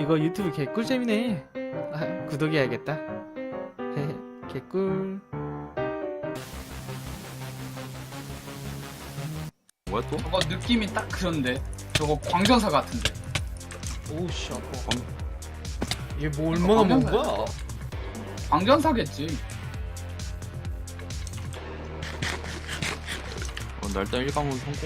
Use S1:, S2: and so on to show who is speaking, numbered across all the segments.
S1: 이거 유튜브 개꿀잼이네. 아, 구독해야겠다. 개꿀.
S2: 뭐야 또?
S3: 저거 느낌이 딱 그런데 저거 광전사 같은데.
S1: 오우씨 아파. 이게 뭐 얼마나 먹은 거야?
S3: 광전사겠지.
S2: 나 일단 1강은 성공.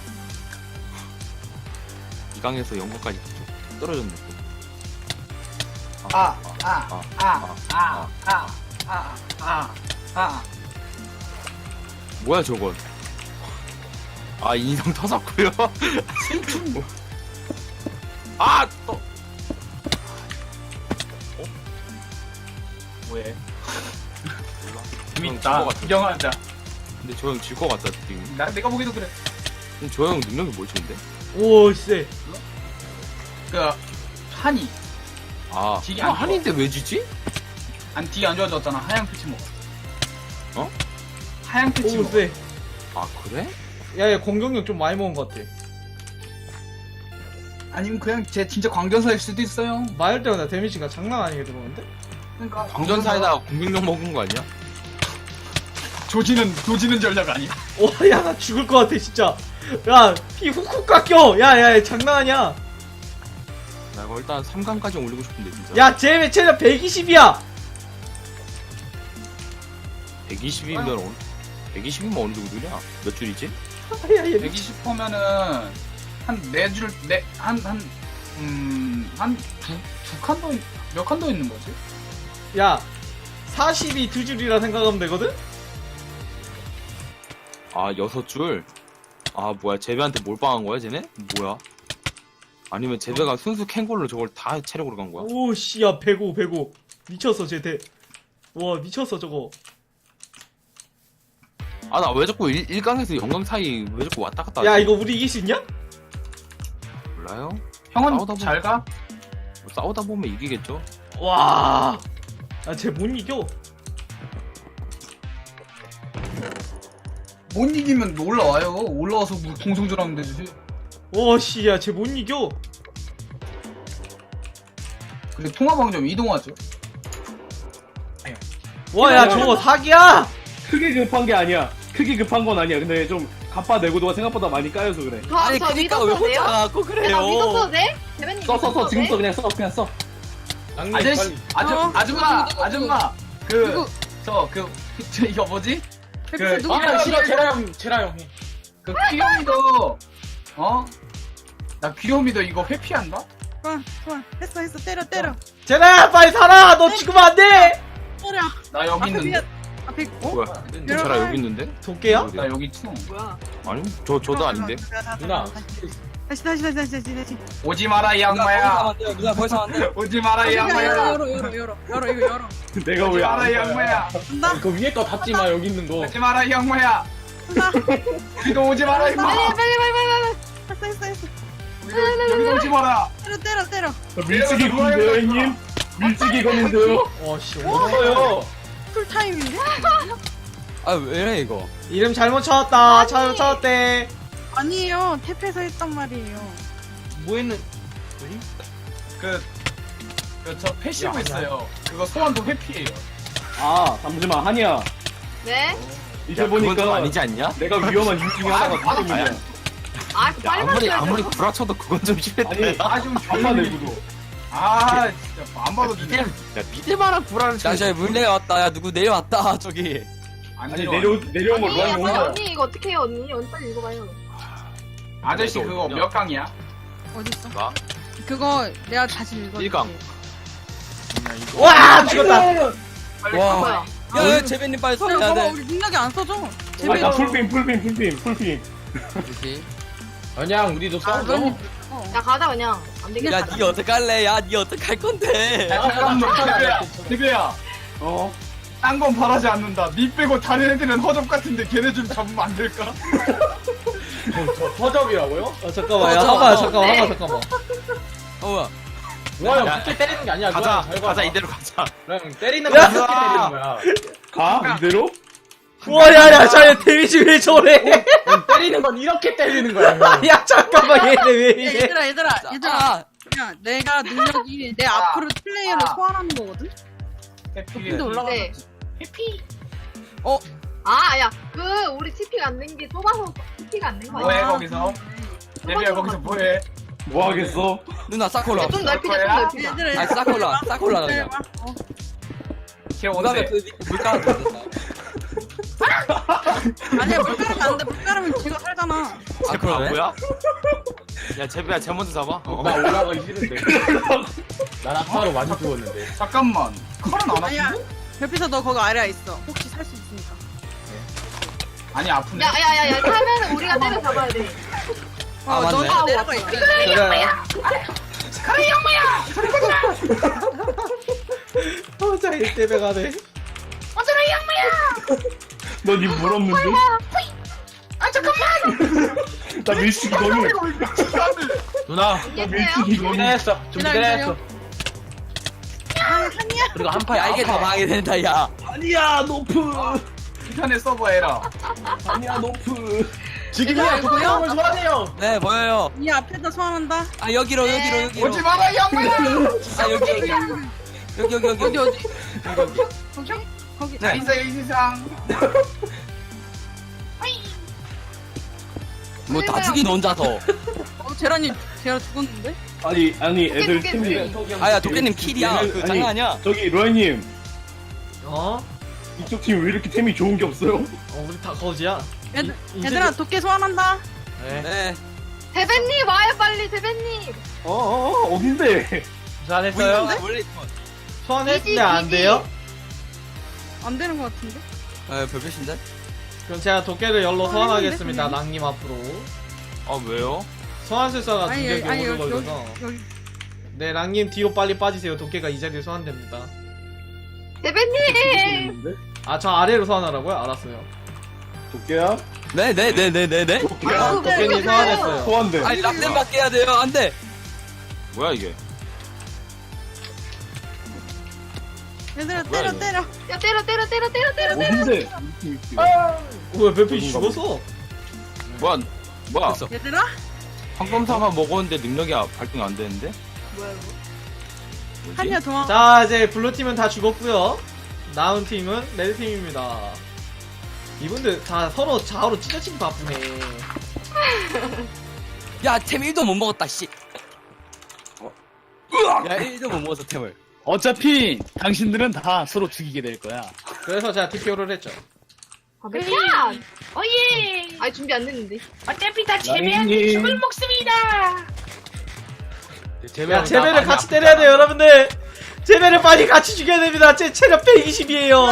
S2: 2강에서 0강까지 떨어졌네. 뭐야 저건? 아 인성 터졌고요. 아 또.
S3: 왜?
S2: 몰라.
S3: 재밌다. 구경하자.
S2: 근데 저 형 질 것 같다 느낌이.
S3: 내가 보기도 그래.
S2: 근데 저 형 능력이 뭐였는데?
S1: 오 쎄.
S3: 그 한이
S2: 아
S3: 딜이
S2: 아,
S3: 안
S2: 한인데 왜 지지?
S3: 안 딜이 안 좋아졌잖아. 하향 패치 먹어.
S2: 어?
S3: 하향 패치
S1: 오
S3: 먹어.
S1: 쎄.
S2: 아 그래?
S1: 야야 공격력 좀 많이 먹은 것 같아.
S3: 아니면 그냥 쟤 진짜 광전사일 수도 있어요.
S1: 맞을 때마다 데미지가 장난 아니게 들어오는데?
S3: 그러니까
S2: 광전사에다가 공격력 먹은 거 아니야?
S3: 조지는 전략 아니야?
S1: 와, 야, 나 죽을 것 같아, 진짜. 야, 피 훅훅 깎여. 야, 장난 아니야.
S2: 나 이거 일단 3강까지 올리고 싶은데 진짜.
S1: 야, 쟤 체력 120이야.
S2: 120이면 120이면 어느 정도냐? 몇 줄이지?
S1: 야, 얘
S3: 120%면은 몇 칸 더 있는 거지?
S1: 야, 40이 두 줄이라 생각하면 되거든?
S2: 아 6줄? 아 뭐야 제베한테 몰빵한 거야 쟤네? 뭐야? 아니면 제베가 순수 캔걸로 저걸 다 체력으로 간 거야?
S1: 오, 씨, 야, 105. 미쳤어, 와, 미쳤어, 저거.
S2: 아 나 왜 자꾸 1강에서 0강 사이 왜 자꾸 왔다 갔다
S1: 야,
S2: 하지?
S1: 이거 우리 이길 수 있냐?
S2: 몰라요?
S3: 형은
S2: 싸우다 보면-
S3: 잘 가?
S2: 뭐 싸우다 보면 이기겠죠?
S1: 와. 야, 쟤 못 이겨.
S3: 못 이기면 올라와요. 올라와서 뭐 공성전하면 되지.
S1: 와, 씨, 야, 쟤 못 이겨.
S3: 근데 통화방점 이동하죠.
S1: 와, 야, 저거 사기야!
S4: 크게 급한 게 아니야. 크게 급한 건 아니야. 근데 좀 갚아 내고도가 생각보다 많이 까여서 그래.
S5: 아니 그니까 왜 혼자
S2: 갖고
S5: 내가 믿어도 돼? 대변님
S4: 써. 지금 써. 그냥 써. 그냥 써.
S3: 아저씨, 아줌마, 이거 뭐지?
S1: 제라 형.
S3: 그 귀요미도, 나 귀요미도 이거 회피한다?
S5: 좋아 했어 때려
S1: 제라야, 빨리 살아! 너 죽으면 안 돼!
S5: 때려
S3: 나 여기 있는데?
S5: 앞에
S2: 뭐야? 제라 여기 있는데?
S1: 도깨야?
S3: 나 여기 있어.
S5: 뭐야
S2: 아니 저도 아닌데?
S1: 누나.
S5: 다시
S3: 오지 마라, 이 양마야.
S6: 누나 벌써 안 돼.
S3: 오지 마라, 이 양마야.
S5: 열어 이거 열어
S4: 내가
S3: 오지
S4: 왜
S3: 마라,
S4: 안
S3: 이 양마야.
S5: 간다
S1: 그 위에 거 닫지 마, 여기 있는 거.
S3: 오지 마라, 이 양마야.
S5: 간다
S3: 우리도 오지 마라, 임마.
S5: 빨리 했어
S3: 여기도 오지 마라.
S5: 때려
S4: 밀치기 건데요, 형님? 밀치기 건데요?
S1: 와, 씨,
S4: 없어요.
S5: 풀타임인데?
S6: 아 왜래 이거?
S1: 이름 잘못 찾았다. 잘못 찾았대.
S5: 아니에요 탭에서 했단 말이에요
S1: 뭐 했는,
S3: 저 패시브 있어요. 그거 소환도 회피해요.
S4: 아, 잠시만. 한이야.
S5: 네?
S4: 이제
S2: 야, 그건 좀
S4: 보니까
S2: 아니지 않냐?
S4: 내가 위험한 이유 중에 하나가 뒷점이야.
S5: 아
S2: 야,
S5: 빨리
S2: 아무리 구라쳐도 그건 좀 심했다.
S4: 아니,
S3: 좀
S4: 갚아 내고도.
S3: 진짜 안 봐도
S2: 믿을, 야 믿을만한 구라를
S6: 야 저기 물 내려왔다. 야 누구 내려왔다 저기.
S3: 안
S4: 아니,
S3: 내려와.
S4: 내려온 걸
S5: 언니
S4: 뭐하는 거야?
S5: 언니 이거 어떻게 해요 언니 빨리 읽어봐요
S3: 아저씨 그거 몇 강이야?
S5: 어딨어?
S2: 나?
S5: 그거 내가 다시 읽어줄게
S2: 1강.
S1: 와, 죽었다.
S3: 빨리
S6: 와.
S3: 가봐요.
S6: 야 재배님 빨리 서야
S5: 봐봐
S6: 돼.
S5: 우리 능력이 안 써져
S4: 아, 나 풀빔.
S6: 그렇지.
S1: 그냥 우리도
S5: 야 가자 그냥 안 되겠다
S6: 야니 어떡할래? 야니 어떡할 건데?
S3: 잠깐만, 대배야.
S4: 어?
S3: 딴 건 바라지 않는다. 니 빼고 다른 애들은 허접 같은데 걔네 좀 잡으면 안 될까?
S1: 허접이라고요? 잠깐만, 야,
S6: 허접.
S1: 잠깐만.
S6: 어
S1: 뭐야,
S2: 야,
S1: 그렇게 때리는 게 아니야.
S2: 가자 이대로 가자.
S1: 그냥 때리는 거 그렇게 때리는 거야.
S4: 가? 이대로?
S1: 와, 야, 저 데미지 왜 저래?
S7: 때리는 건 이렇게 때리는 거야.
S1: 야, 잠깐만, 얘네 왜 이래?
S5: 얘들아
S6: 아,
S5: 그냥 내가 능력이 내 앞으로 플레이어를 소환하는 거거든? 근데 올라가.
S7: 네.
S3: 해피.
S7: 야, 우리 TP가 안 된 게 좁아서 TP가 안 된 거야.
S3: 뭐해 거기서? 제비야 거기서 뭐해?
S4: 뭐 하겠어?
S6: 누나 싸콜라.
S7: 좀 넓히자, 좀 넓히자.
S5: 얘들아,
S6: 아니 싸콜라 싸콜라 그냥.
S3: 걔
S6: 그다음에
S3: 온대.
S6: 그 물가가 됐다.
S5: 아니야, 물 깔으면 안 돼. 물 깔으면 쥐가 살잖아.
S6: 아 그러네.
S2: 뭐야? 야 제비야 쟤 먼저 잡아.
S4: 나 올라가기 싫은데. 난 아파로 많이 죽었는데.
S3: 잠깐만. 칼은 안
S5: 아니야.
S3: 아픈데?
S5: 별빛아, 너 거기 아래에 있어. 혹시 살 수 있으니까.
S3: 아니 아프네.
S7: 야, 타면은 우리가 때려 잡아야 돼.
S6: 아, 맞네.
S5: 너가 내려가 있어.
S1: 자, 1대1 가네.
S4: 넌이 물었는데? 나 밀치기 너무.
S8: 누나
S7: 이겼어요?
S8: 준비됐어 준비됐어
S5: 한이야?
S8: 그리고 한 파야
S6: 야 이게 더 망하게 된다 야.
S4: 아니야, 노프.
S3: 인터넷 서버 에러.
S4: 아니야, 노프.
S8: 지금이야
S5: 보여?
S8: 좋아하세요
S6: 네 보여요.
S5: 이 앞에다 소환한다.
S6: 아 여기로.
S3: 오지 마라 이 양반아.
S6: 아 여기.
S5: 어디? 거기?
S3: 자 인사 이 세상.
S6: 뭐 다 죽인 혼자서.
S5: 제라 죽었는데?
S4: 아니, 애들
S7: 도깨,
S4: 팀이.
S6: 아야 도깨님 킬이야. 그 장난 아니야.
S4: 저기, 로이님.
S1: 어?
S4: 이쪽 팀 왜 이렇게 템이 좋은 게 없어요?
S1: 우리 다 거지야.
S5: 얘들아, 도깨 소환한다.
S6: 네.
S7: 대배님 와요, 빨리, 대배님.
S4: 어딘데?
S8: 잘했어요
S6: 원래
S1: 소환했는데 안 돼요?
S5: 안 되는 것 같은데?
S6: 네 별빛인데.
S1: 그럼 제가 도깨를 열로 소환하겠습니다.
S5: 그냥.
S1: 랑님 앞으로.
S2: 아 왜요?
S1: 소환술사가
S5: 아니,
S1: 중력이
S5: 아니,
S1: 오래
S5: 여기,
S1: 걸려서.
S5: 여기.
S1: 네, 랑님 뒤로 빨리 빠지세요. 도깨가 이 자리에 소환됩니다.
S7: 대배님!
S1: 아, 저 아래로 소환하라고요? 알았어요.
S4: 도깨야?
S6: 네네네네네.
S4: 도깨야?
S1: 도깨님 소환했어요.
S4: 소환돼.
S6: 아니 락den 받게 해야 돼요. 안 돼.
S2: 뭐야 이게?
S5: 얘들아,
S2: 뭐야,
S5: 때려.
S7: 야, 때려.
S4: 어딘데?
S1: 왜 별빛이 죽었어?
S2: 뭐야?
S6: 됐어.
S5: 얘들아?
S2: 황금사가 먹었는데 능력이 발동 안 되는데?
S7: 뭐야, 이거?
S2: 뭐지?
S5: 한이야, 도망.
S1: 자, 이제 블루팀은 다 죽었고요. 남은 팀은 레드팀입니다. 이분들 다 서로 좌우로 찢어지기 바쁘네.
S6: 야 템 1도 못 먹었다 씨. 야 1도 못 먹었어 템을.
S8: 어차피 당신들은 다 서로 죽이게 될 거야
S1: 그래서 제가 TPO를 했죠.
S7: 야! 어예! 아니, 준비 안 됐는데.
S9: 어차피 다
S4: 라인님.
S9: 죽을 목숨이다.
S1: 야, 제배를 같이 때려야 돼요, 여러분들. 제배를 빨리 같이 죽여야 됩니다. 제 체력 120이에요.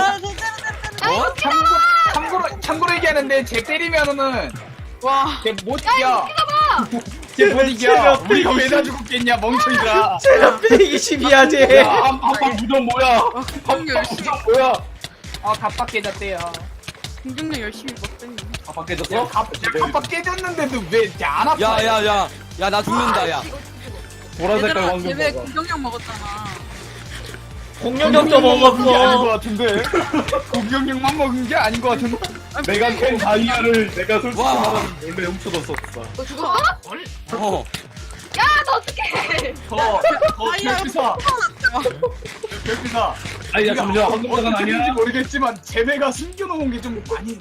S3: 참고로 얘기하는데 쟤 때리면은
S5: 와.
S3: 쟤못 이겨. 쟤못 이겨.
S1: 체력
S3: 우리가 왜
S1: 120.
S3: 다 죽었겠냐 멍청이들아.
S1: 체력 120이야, 쟤.
S4: 야, 한방 무전 뭐야?
S5: 공격 열심히,
S4: 뭐야?
S3: 갑박 깨졌대요.
S5: 공격력 열심히 못했네.
S4: 아빠 깨졌어?
S3: 갑박 깨졌는데도 왜 안 아파?
S6: 야야야. 야 나 죽는다 야.
S4: 보라 색깔
S5: 얘들아,
S4: 황금
S5: 얘네
S4: 봐봐.
S5: 공격력 먹었잖아.
S1: 공격력도
S4: 그게 아닌
S1: 먹었어.
S4: 것 같은데.
S3: 공격력만 먹은 게 아닌 것 같은데.
S4: 내가 캔 다이아를 내가 솔직히
S6: 와.
S4: 말하면 원래 훔쳐뒀었어.
S7: 너 죽었어?
S6: 어.
S7: 야, 너 어떡해!
S3: 별피사. 별피사.
S4: 아니, 야, 잠시만. 황금사관
S3: 어떻게
S4: 아니야?
S3: 된지 모르겠지만 쟤네가 숨겨놓은 게 좀 많이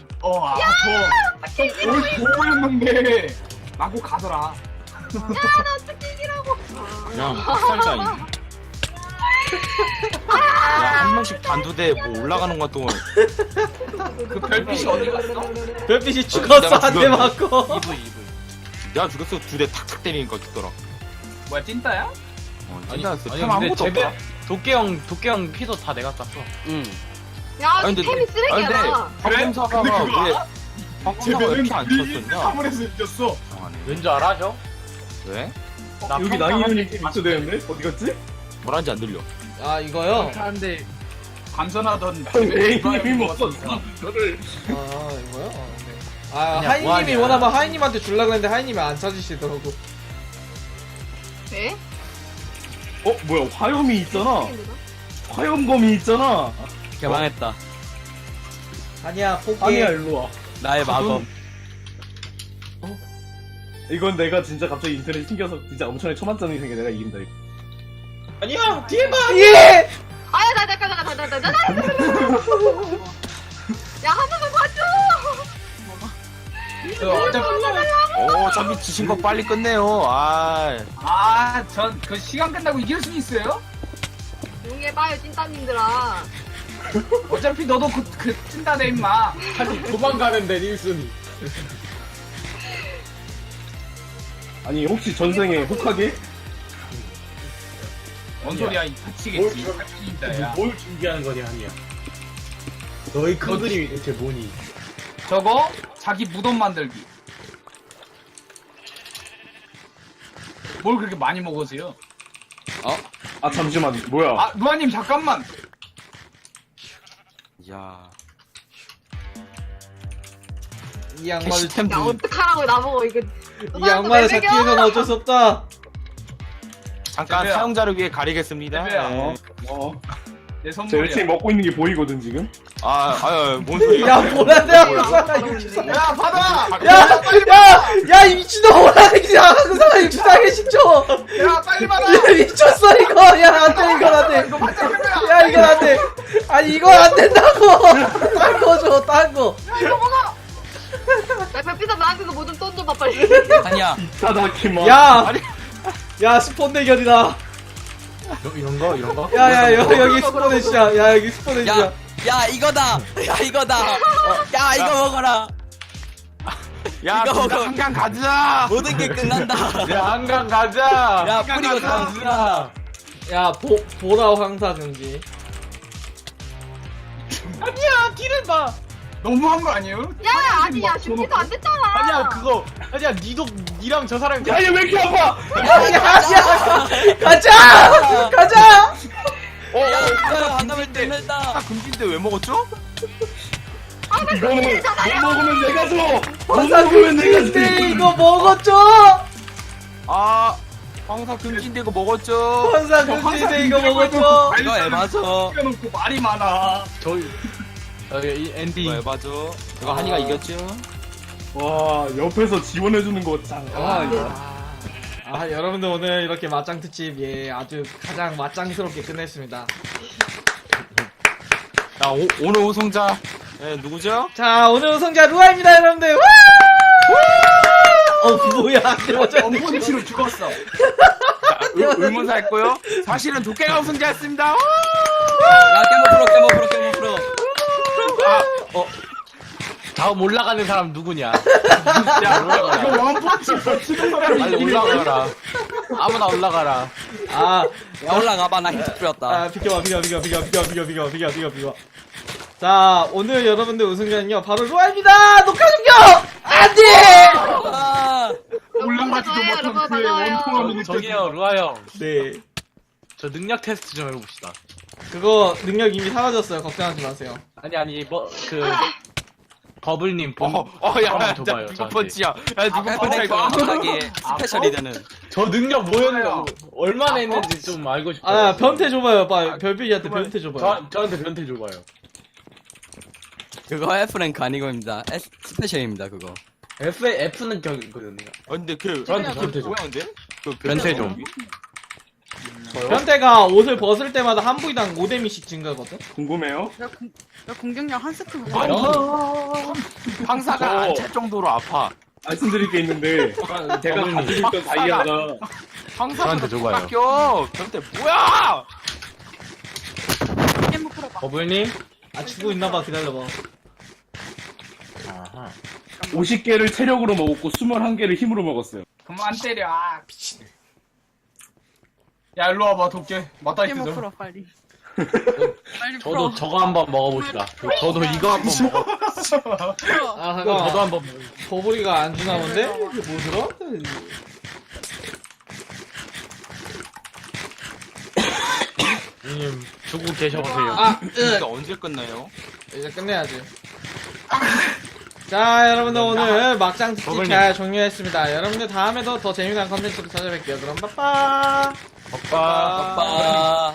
S3: 보였는데 마구 가더라.
S2: 야 학살자 야한 명씩 단두대 뭐 올라가는 것 동안
S3: 그 별빛이 어디 갔어?
S1: 별빛이 죽었어, 한 대
S2: 죽였네.
S1: 맞고.
S2: 내가 죽였어. 두 대 탁탁 때리니까 죽더라.
S3: 뭐야 찐따야?
S2: 찐따였어.
S8: 아니,
S2: 템
S8: 근데
S2: 아무것도
S8: 제배-
S2: 없다.
S8: 도깨형 피도 다 내가 땄어
S6: 응.
S7: 야,
S2: 아니,
S7: 이
S2: 근데-
S7: 템이 쓰레기야, 나.
S2: 황금사가
S3: 근데 그거
S2: 왜 황금사가 왜 이렇게 안 쳤었냐?
S3: 사물에서 이겼어.
S2: 이상하네.
S8: 왠줄 알아 형?
S2: 왜?
S8: 나
S4: 여기 나이언이 팀 있어 되는데? 어디 갔지?
S2: 뭐라는지 안 들려.
S1: 아, 이거요?
S8: 하는데
S3: 감선하던
S4: 에이님이 먹었어. 저를.
S1: 아, 이거요? 네. 아,
S8: 그냥
S1: 하이님이
S8: 뭐하냐.
S1: 원하면 하이님한테 주려고 했는데 하이님이 안 찾으시더라고.
S7: 네?
S4: 뭐야, 화염이 있잖아. 화염검이 있잖아.
S6: 개망했다.
S1: 아니야, 포기해.
S4: 아니야, 일로 와.
S6: 나의 마검.
S4: 이건 내가 진짜 갑자기 인터넷 튕겨서 진짜 엄청나게 초만장이 생겨 내가 이긴다 이거.
S8: 아니야 뒤에 봐.
S1: 예!
S7: 아야 나 야, 한 번만 봐줘.
S2: 어차피 지신 거 빨리 끝내요.
S3: 전 그 시간 끝나고 이길 수 있어요?
S7: 조용히 해봐요, 찐따님들아.
S3: 어차피 너도 그 찐다네 임마.
S8: 아니 도망가는데 닐슨이.
S4: 아니 혹시 전생에 혹하게?
S3: 뭔 소리야, 이 다치겠지. 야.
S8: 뭘 준비하는 거냐 아니야. 너희 큰 그림이 대체 뭐니?
S3: 저거 자기 무덤 만들기. 뭘 그렇게 많이 먹으세요?
S4: 아 잠시만 뭐야?
S3: 아 루아님 잠깐만.
S2: 야.
S1: 이 양말을
S2: 캐시템
S7: 야, 어떡하라고, 나보고, 이거.
S1: 이 양말을 잡기 위해서는 어쩔 수 없다.
S2: 잠깐
S3: 제배야.
S2: 사용자를 위해 가리겠습니다.
S3: 제배야.
S2: 네.
S3: 내
S4: 제
S3: 선물이야.
S4: 열심히 먹고 있는 게 보이거든 지금.
S2: 뭔 소리야?
S1: 야 뭐라냐 무사가
S3: 야 받아.
S1: 야이 미친놈아 그냥 그 사람 유치하게 시켜.
S3: 야 빨리 받아.
S1: 야 미쳤어 이거. 야 안돼 이건 안돼.
S3: 이거 받자 제배야.
S1: 야 이건 안돼. 아니 이건 안 된다고. 딴 거 줘 딴 거.
S7: 야, 별빛아, 나한테도 뭐 좀 던져봐, 빨리.
S6: 아니야.
S4: 사다키마.
S1: 야. 야 스폰 대결이다.
S8: 이런 거?
S1: 야야 여기 스폰 해주자. 야 여기 스폰 해주자.
S6: 야 이거다. 야 이거다. 야 이거 먹어라.
S2: 야,
S6: 이거
S2: 둘다
S6: 먹어.
S2: 한강 가자.
S6: 모든 게 끝난다.
S8: 야 한강 가자.
S6: 야 뿌리고 다 누나.
S1: 야 보라 황사 금지.
S8: 아니야 뒤를 봐.
S3: 너무한 거 아니에요?
S7: 야, 아니, 야, 준비도 안 됐잖아.
S8: 아니야 그거. 아니야 니랑 저 사람이.
S4: 야얘 왜 이렇게 아파?
S1: 야야 가자 가자.
S6: 안 나면 끝난다.
S2: 금지인데 왜 먹었죠?
S4: 이거는 못 먹으면 내가 줘. 못
S1: 황사
S4: 먹으면 내가
S1: 금지인데
S4: 줘.
S1: 이거 먹었죠.
S2: 황사 금지인데 이거 먹었죠?
S1: 황사 금지인데 이거 먹었죠.
S6: 이거 에바죠.
S3: 놓고 말이 많아.
S8: 이 앤디.
S2: 이거 해봐죠. 이거 한이가 이겼죠?
S4: 와 옆에서 지원해주는 거 짱.
S1: 아 여러분들 오늘 이렇게 맞짱 특집 예 아주 가장 맞짱스럽게 끝냈습니다.
S2: 자, 오늘 우승자 누구죠?
S1: 자 오늘 우승자 루아입니다 여러분들. 와! 뭐야
S3: 원펀치로 죽었어.
S2: 의문사 했고요. 사실은 도깨가 우승자였습니다.
S6: 야 깨모 프로.
S8: 다음 올라가는 사람 누구냐?
S3: 이거 원펀치로 치는 사람이
S8: 빨리
S3: 이기는 거야.
S8: 올라가라. 아무나 올라가라.
S6: 야 올라가봐 나 힌트 뿌렸다.
S1: 비켜봐. 자 오늘 여러분들 우승자는요 바로 루아입니다. 녹화 중격. 안돼.
S6: 아,
S3: 올라가지도
S7: 맞아요,
S3: 못한
S7: 여러분,
S3: 그의
S7: 맞아요.
S3: 원통함이
S8: 저기요 루아 형.
S1: 네
S8: 저 능력 테스트 좀 해봅시다.
S1: 그거 능력 이미 사라졌어요. 걱정하지 마세요.
S8: 아니 뭐 버블님 본.
S2: 야,
S8: 한번 줘봐요,
S2: 누가
S8: 저한테.
S2: 펀치야? 야, 누가 펀치야,
S6: 에프랭크
S2: 이거?
S6: 완벽하게 스페셜이 되는.
S8: 저 능력 뭐였나? 얼마나 했는지 좀 알고 싶어요.
S1: 아 변태 줘봐요. 별빛이한테 변태 줘봐요.
S8: 저한테 변태 줘봐요.
S6: 그거 F랭크 아니고입니다. 스페셜입니다 그거.
S8: F는 거든요.
S2: 근데
S8: 저한테 변태 줘.
S2: 뭐야, 근데?
S8: 변태 좀.
S1: 변태가 옷을 벗을 때마다 한 부위당 5데미씩 증가거든.
S4: 궁금해요?
S5: 야, 공격력 한 스크 먹어.
S2: 황사가 안 찰 정도로 아파.
S4: 말씀드릴 게 있는데 제가 가지고 있던 다이아가
S2: 황사가
S8: 저한테 줘봐요.
S2: 바뀌어. 변태 뭐야?
S5: 게임 풀어봐.
S8: 버블님.
S1: 아 주고 있나봐. 기다려봐.
S4: 50개를 체력으로 먹었고 21개를 힘으로 먹었어요.
S3: 그만 때려. 아, 미친. 야 일로 와봐 도깨. 맞다
S5: 게임
S3: 있어.
S5: 풀어 빨리. 빨리 풀어.
S8: 저도 저거 한번 먹어봅시다. 저도 이거 한번 먹어.
S5: 풀어.
S1: 아
S8: 저도
S1: 잠깐만.
S8: 한번 먹어.
S1: 버블이가 안 주나 본데? 이게 뭐 들어?
S8: 형님 주고 계셔보세요.
S1: 아
S2: 이게 언제 끝나요?
S1: 이제 끝내야지. 자 여러분들 오늘 막장 특집
S8: 버블님.
S1: 잘 종료했습니다. 여러분들 다음에도 더 재미난 컨텐츠로 찾아뵐게요. 그럼 빠빠.
S8: 오빠.
S6: 빠빠.